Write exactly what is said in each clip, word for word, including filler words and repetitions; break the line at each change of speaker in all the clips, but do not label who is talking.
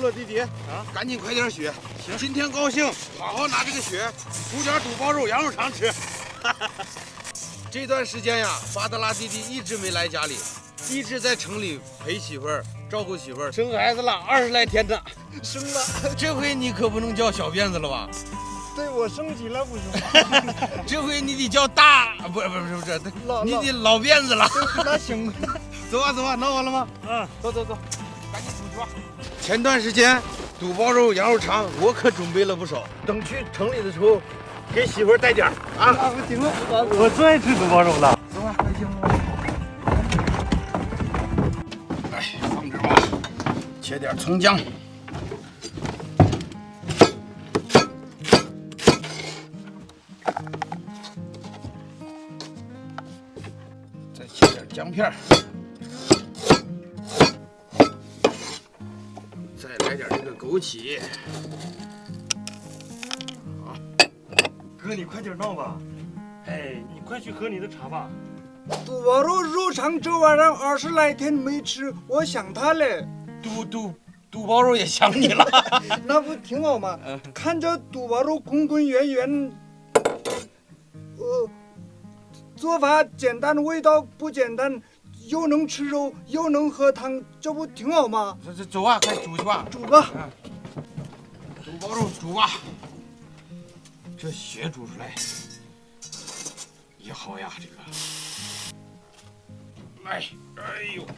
了，弟弟啊，赶紧快点学。行，今天高兴，好好拿这个血煮点肚包肉、羊肉肠吃。这段时间呀，巴德拉弟弟一直没来家里，一直在城里陪媳妇儿、照顾媳妇儿，生孩子了，二十来天呢。
生了，
这回你可不能叫小辫子了吧？
对我升级了不是吗？
这回你得叫大，不是不是不是，你得老辫子了。
那行，
走吧走吧，弄完了吗？
嗯，
走走走，赶紧出去吧。前段时间肚包肉、羊肉肠我可准备了不少，等去城里的时候给媳妇儿带点儿啊。
啊，行了，我最爱吃肚包肉了。
走吧，快行了。来，放这儿吧，切点葱姜。再切点姜片儿，再来点这个枸杞。好，
哥，你快点闹吧。哎，你快去喝你的茶吧。
肚包肉肉肠这玩意儿二十来天没吃，我想他嘞。
肚肚肚包肉也想你了。
那不挺好吗？看着肚包肉滚滚圆圆，呃，做法简单，味道不简单，又能吃肉又能喝汤，这不挺好吗？
这这走啊，快煮去吧。
煮吧。
肚包肉煮吧，这血煮出来也好呀，这个。哎，哎呦，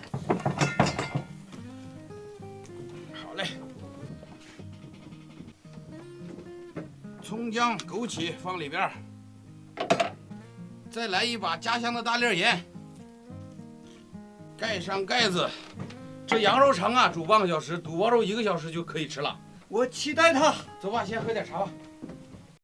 好嘞。葱姜枸杞放里边儿，再来一把家乡的大粒盐，盖上盖子。这羊肉肠啊，煮半个小时，肚包肉一个小时就可以吃了。
我期待它。
走吧，先喝点茶吧。